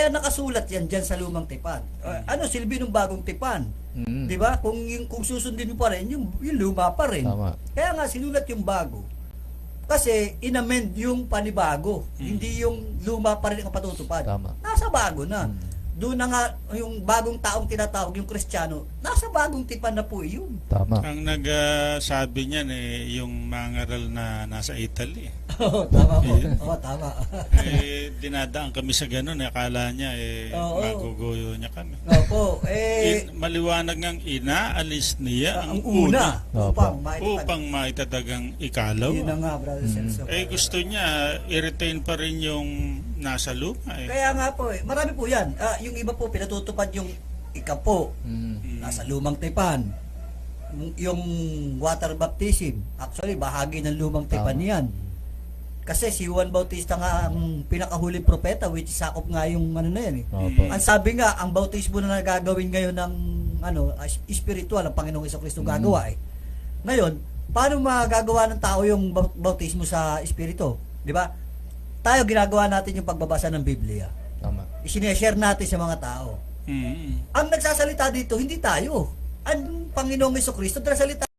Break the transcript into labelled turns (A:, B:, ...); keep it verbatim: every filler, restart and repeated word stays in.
A: Kaya nakasulat yan dyan sa lumang tipan. Uh, ano silbi ng bagong tipan?
B: Mm.
A: 'Di ba? Kung yung, kung susundin mo pa rin, yung, yung luma pa rin.
B: Tama.
A: Kaya nga sinulat yung bago. Kasi inamend yung panibago,
C: Mm.
A: hindi yung luma pa rin ang patutupad.
B: Tama.
A: Nasa bago na.
B: Mm.
A: Doon na nga yung bagong taong tinatawag yung Kristiyano, nasa bagong tipan na po yun.
B: Tama.
C: Ang nagsabi niyan eh, yung mga ngaral na nasa Italy.
A: Oo, tama po.
C: Yeah.
A: Oo, tama.
C: eh, dinadaan kami sa ganun. Eh, akala niya eh,
A: Oo.
C: maguguyo niya kami.
A: Opo, eh,
C: In, maliwanag ngang inaalis niya
A: ang
C: ang
A: una,
C: una
A: upang
B: Opo.
A: maitatag.
C: upang maitatagang ikalaw.
A: Yun na nga, brother
B: Mm.
A: Celso.
C: Eh gusto niya i-retain pa rin yung nasa luma eh.
A: Kaya nga po, eh, marami po yan. Ah, yung iba po, pinatutupad yung ikapo,
B: Mm.
A: nasa lumang tipan. Yung- Yung water baptism, actually, bahagi ng lumang tipan
B: Tama.
A: yan. Kasi si Juan Bautista nga ang pinakahuling propeta, which is sakop nga yung ano na yan eh.
B: Opo.
A: Ang sabi nga, ang bautismo na nagagawin ngayon ng ano, as- spiritual, ang Panginoong Jesucristo
B: Mm.
A: gagawa eh. Ngayon, paano magagawa ng tao yung bau- bautismo sa espiritu? Di ba? Tayo ginagawa natin yung pagbabasa ng Biblia.
B: Tama.
A: Isineshare natin sa mga tao.
C: Mm.
A: Ang nagsasalita dito, hindi tayo. Ang Panginoong Jesucristo, nagsasalita